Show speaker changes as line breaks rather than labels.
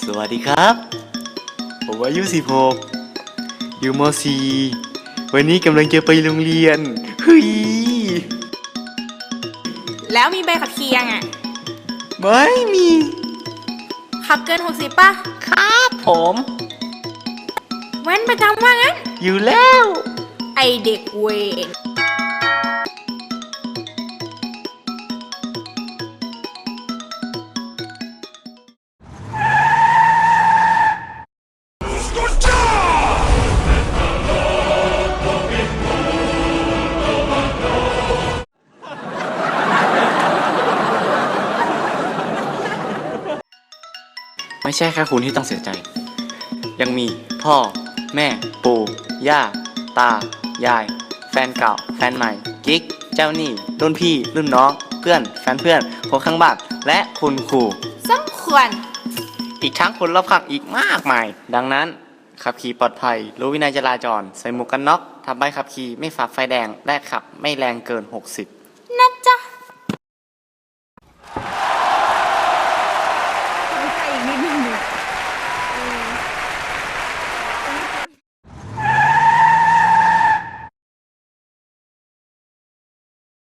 สวัสดีครับผมอายุ16อยู่ม .4 วันนี้กำลังจะไปโรงเรียนเฮ้ย
แล้วมีใบขับขี่ยังอ่ะ
ไม่มี
ขับเกิน60ป่ะ
ครับผม
แว้นประจำว่างั้น
อยู่แล้ว
ไอเด็กเวร
ไม่ใช่แค่คุณที่ต้องเสียใจ ยังมีพ่อแม่ปู่ย่าตายายแฟนเก่าแฟนใหม่กิ๊กเจ้าหนี้รุ่นพี่รุ่นน้องเพื่อนแฟนเพื่อนคนข้างบ้านและคุณครู
สมควร
อีกทั้งคนรอบข้างอีกมากมายดังนั้นขับขี่ปลอดภัยรู้วินัยจราจรใส่หมวกกันน็อกทำใบขับขี่ไม่ฝ่าไฟแดงและขับไม่แรงเกิน60